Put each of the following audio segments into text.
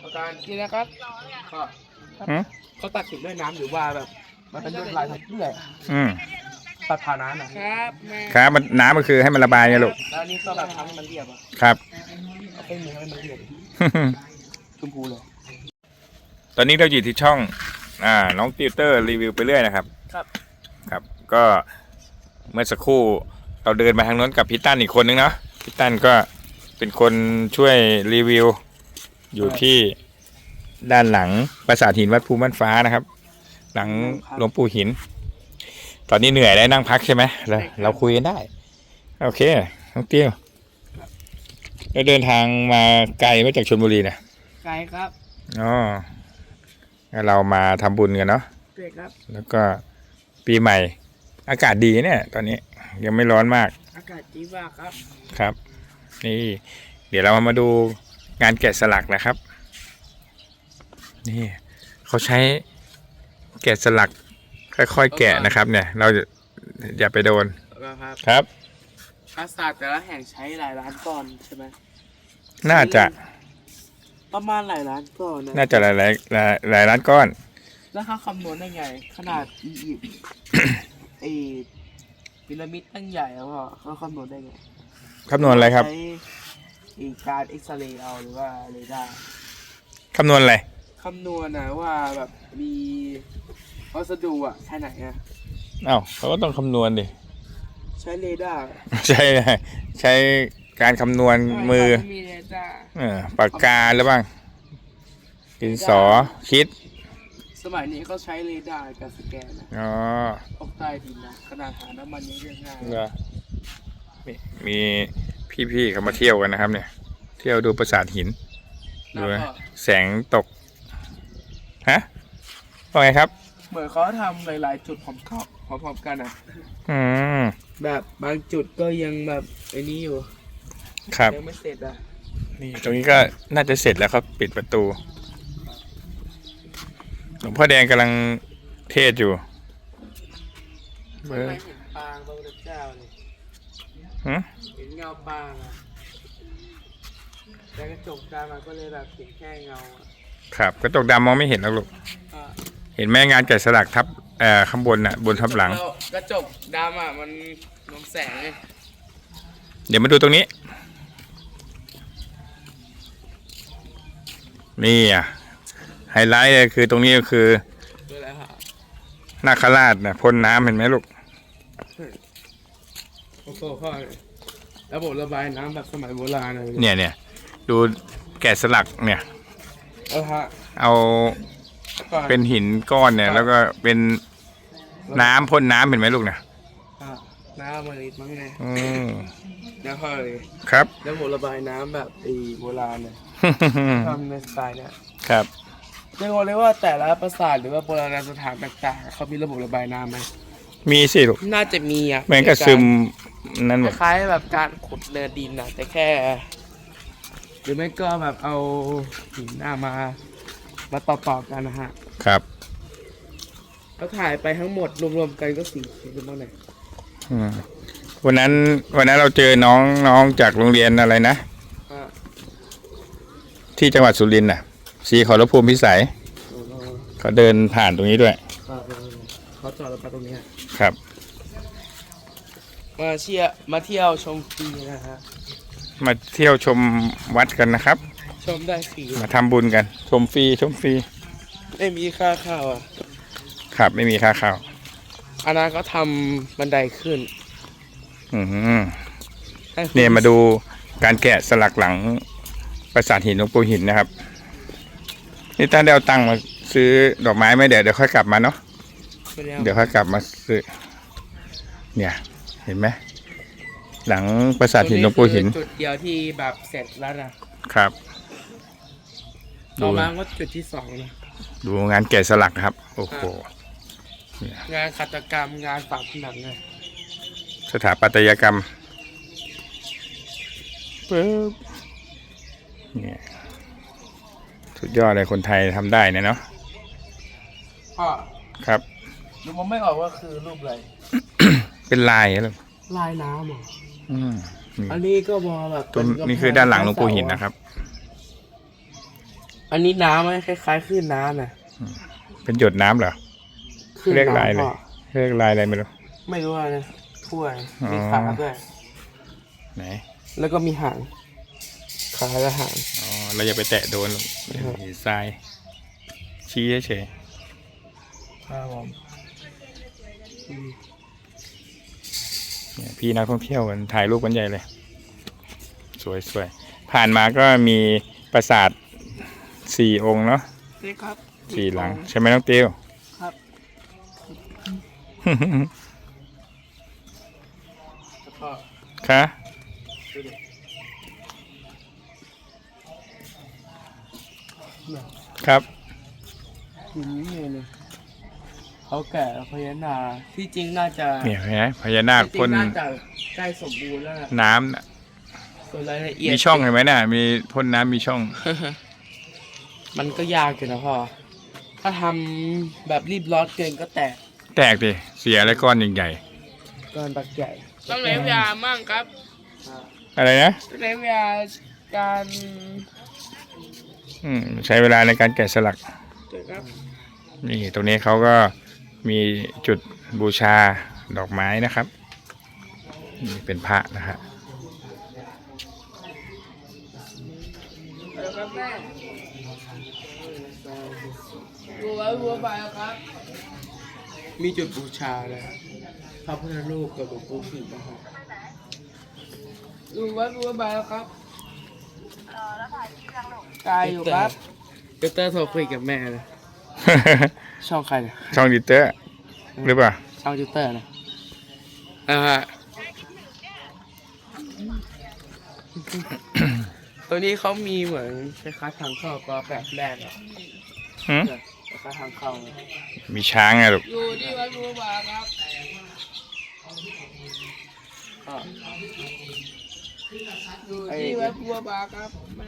อาจารย์นี่นะครับก็เขาตัดสินด้วยน้ำหรือว่าแบบมันเป็นลวดลายทำเพื่อตัดผ่านน้ำนะครับครับมันน้ำมันคือให้มันระบายไงลูกแล้วนี่ก็แบบทำให้มันเรียบครับเอาเป็นมือให้มันเรียบชมพูเลยตอนนี้เราอยู่ที่ช่องน้องติวเตอร์รีวิวไปเรื่อยนะครับครับก็เมื่อสักครู่เราเดินมาทางโน้นกับพี่ตั้นอีกคนนึงเนาะพี่ตั้นก็เป็นคนช่วยรีวิวอยู่ที่ด้านหลังปราสาทหินวัดภูบ้านฟ้านะครับหลังหลวงปู่หินตอนนี้เหนื่อยได้นั่งพักใช่ไหมเราคุยกันได้โอเคน้องติวเราเดินทางมาไกลมาจากชลบุรีนะไกลครับอ๋อเรามาทำบุญกันเนาะใช่ครับแล้วก็ปีใหม่อากาศดีเนี่ยตอนนี้ยังไม่ร้อนมากอากาศดีมากครับครับนี่เดี๋ยวเรามาดูงานแกะสลักนะครับนี่เขาใช้แกะสลักค่อยๆแกะนะครับเนี่ยเราอย่าไปโดนครับปราสาทแต่ละแห่งใช้หลายล้านก้อนใช่ไหมน่าจะประมาณหลายล้านก้อนน่าจะหลายล้านก้อนแล้วเขาคำนวณได้ไงขนาดอียิปต์ไอพีระมิดตั้งใหญ่แล้วเขาคำนวณได้ไงคำนวณอะไรครับใช้การเอ็กซเรย์เอาหรือว่าเรดาร์คำนวณอะไรคำนวณนะว่าแบบมีวัสดุแค่ไหนอ้าวเขาก็ต้องคำนวณดิใช้เรดาร์ใช้การคำนวณมือปากกาหรือบ้างดินสอคิดสมัยนี้เขาใช้เรดาร์กับสแกนอ๋อออกใต้ดินนะขนาดหาน้ำมันยังเรียกง่ายมีพี่ๆเขามาเที่ยวกันนะครับเนี่ยเที่ยวดูปราสาทหินดูแสงตกฮะว่าไงครับเหมือนเขาทำหลายๆจุดพร้อมกันแบบบางจุดก็ยังแบบไอ้นี้อยู่ครับยังไม่เสร็จนี่ตรงนี้ก็น่าจะเสร็จแล้วครับปิดประตูหลวงพ่อแดงกำลังเทศอยู่ไม่เห็นปางพระพุทธเจ้าเลยเห็นเงาปางแต่กระจกดำก็เลยแบบเห็นแค่เงาครับกระจกดำมองไม่เห็นหรอกลูกเห็นแม่งานแกะสลักทับข้างบนน่ะบนทับหลังกระจกดำมันลงแสงเดี๋ยวมาดูตรงนี้นี่ไฮไลท์เลยคือตรงนี้ก็คือนาคราชนะพ่นน้ำเห็นไหมลูกโอ้โหพ่อระบบระบายน้ำแบบสมัยโบราณเลยเนี่ยดูแกะสลักเนี่ยเอาเป็นหินก้อนเนี่ยแล้วก็เป็นน้ำพ่นน้ำเห็นไหมลูกเนี่ยน้ำมันมั้งไงน้ำพ่อเลยครับระบบระบายน้ำแบบโบราณเนี่ยทำในสไตล์เนี่ยครับเรียกเลยว่าแต่ละปราสาทหรือว่าโบราณสถานต่างๆเขามีระบบระบายน้ำไหมมีสิลูกน่าจะมีเหมือนกับซึมนั่นคล้ายแบบการขุดเนินดินแต่แค่หรือไม่ก็แบบเอาหินมาต่อกันนะฮะครับแล้วถ่ายไปทั้งหมดรวมๆกันก็4 คลิปบ้างเลยวันนั้นเราเจอน้องจากโรงเรียนอะไรนะที่จังหวัดสุรินทร์น่ะศรีขอรภูมิพิสัยเขาเดินผ่านตรงนี้ด้วยเขาจอดรถไปตรงนี้ครับมาเที่ยวชมฟรีนะฮะมาเที่ยวชมวัดกันนะครับชมได้ฟรีมาทำบุญกันชมฟรีไม่มีค่าเข้าครับไม่มีค่าเข้าอันนั้นก็ทำบันไดขึ้นเนี่ยมาดูการแกะสลักหลังปราสาทหินหลวงปู่หินนะครับนี่ท่านได้เอาตังค์มาซื้อดอกไม้ไหมเดี๋ยวค่อยกลับมาเนาะเดี๋ยวค่อยกลับมาซื้อเนี่ยเห็นไหมหลังปราสาทหินหลวงปู่หินจุดเดียวที่แบบเสร็จแล้วนะครับต่อมาก็จุดที่2นะดูงานแกะสลักครับโอ้โหงานหัตถกรรมงานฝาผนังสถาปัตยกรรมปึ๊บเนี่ยสุดยอดเลยคนไทยทำได้เนี่ยเนาะพ่อครับดูมันไม่ออกว่าคือรูปอะไรเป็นลายอะไรลายน้ำอันนี้ก็มองแบบตัวนี้คือด้านหลังหลวงปู่หินนะครับอันนี้น้ำไหมคล้ายๆคลื่นน้ำนะเป็นหยดน้ำเหรอคลื่นเรียกลายน้ำเลยพ่อเรียกลายอะไรไม่รู้ไม่รู้อะไรนะถ้วยอ๋อมีขาด้วยไหนแล้วก็มีหางขาและหางอ๋อเราอย่าไปแตะโดนหรอกเห็นทรายชี้เฉยครับผมๆเนี่ยพี่นักท่องเที่ยวกันถ่ายรูปกันใหญ่เลย สวยๆผ่านมาก็มีปราสาท4 องค์เนาะนี่ครับ 4 หลัง ใช่ไหมน้องติวครับ แล้วก็คะดูดิเนี่ยครับหินนี่เลยเขาแก่พญานาคที่จริงน่าจะเนี่ยเห็นไหมพญานาคที่จริพ่นงน่าจะใกล้สมบูรณ์แล้วนะน้ำน่ะส่วนรายละเอียดมีช่องเห็นไหมน่ะมีพ่นน้ำมีช่องมันก็ยากอยู่นะพ่อ ถ้าทำแบบรีบร้อนเกินก็แตกแตกดิเสียอะไรก้อนใหญ่ก้อนตักใหญ่ต้องใช้เวลามั่งครับๆอะไรนะต้องใช้เวลาการใช้เวลาในการแกะสลักเกิดครับนี่ตรงนี้เขาก็มีจุดบูชาดอกไม้นะครับนี่เป็นพระนะฮะเอาละครับแม่วัววัวไปแล้วครับมีจุดบูชาเลยพระพุทธรูปกับหลวงปู่ผิดนะครับวัวไปแล้วครับตายอยู่ครับเตอร์โทรคุยกับแม่เลยช่องใครเนี่ยช่องดิเตอร์หรือเปล่าช่องเตอร์นะฮะ ตัวนี้เขามีเหมือนคล้ายๆทางเข้าก็แบบแรกอะหืมคล้ายๆทางเข้ามีช้างไงลูกอยู่ที่วัดวัวบาครับก็อยู่ที่วัดวัวบาครับแม่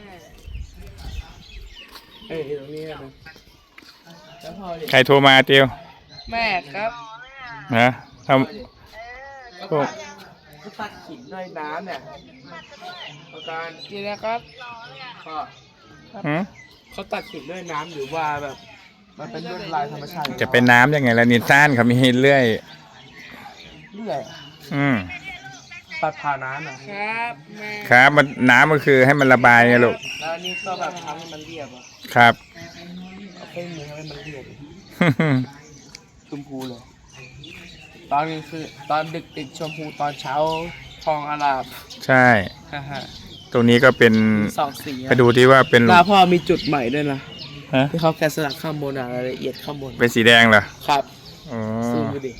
เอ้ยตรงนี้นะแล้วพอดิใครโทรมาเตียวแม่ครับนะทแล้วก็เขาตัดหินด้วยน้ำเนี่ยประการนี่นะครับก็ำหืมเขาตัดหินด้วยน้ำหรือว่าแบบมันเป็นลวดลายธรรมชาติจะเป็นน้ำยังไงล่ะนิซ่านเขามีเรื่อยเรื่อย ตัดผ่านน้ำนะครับแม่ครับมันน้ำก็คือให้มันระบายไงลูกแล้วอันนี่ก็แบบทำให้มันเรียบอ่ะครับเอาเครื่องมือให้มันเรียบชมพูเลย ตอนนี้คือตอนดึกติดชมพูตอนเช้าทองอาลามใช่ฮ่าฮ่าตรงนี้ก็เป็นสองสีไปดูที่ว่าเป็นหน้าพ่อมีจุดใหม่ด้วยนะฮะที่เขาแกะสลักข้างบนอะรายละเอียดข้างบนเป็นสีแดงเหรอครับอ๋อซูมดูดิ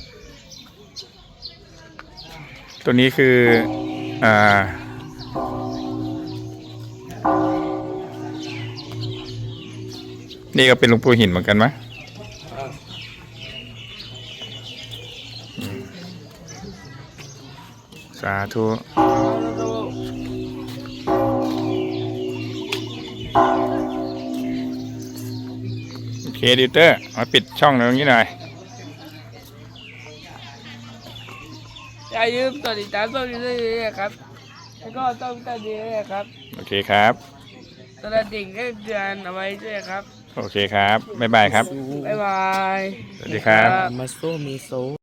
ตัวนี้คืออ่านี่ก็เป็นหลวงปู่หินเหมือนกันไหมสาธุ โอเคดิวเตอร์มาปิดช่องตรงนี้หน่อยอย่าลืมกดติดตามช่องนี้ด้วยนะครับ แล้วก็ต้องติดนี้ด้วยครับโอเคครับตอนดิ่งก็เดือนเอาไว้ด้วยครับโอเคครับ บ๊ายบายครับบ๊ายบายสวัสดีครับมาโซมีโซ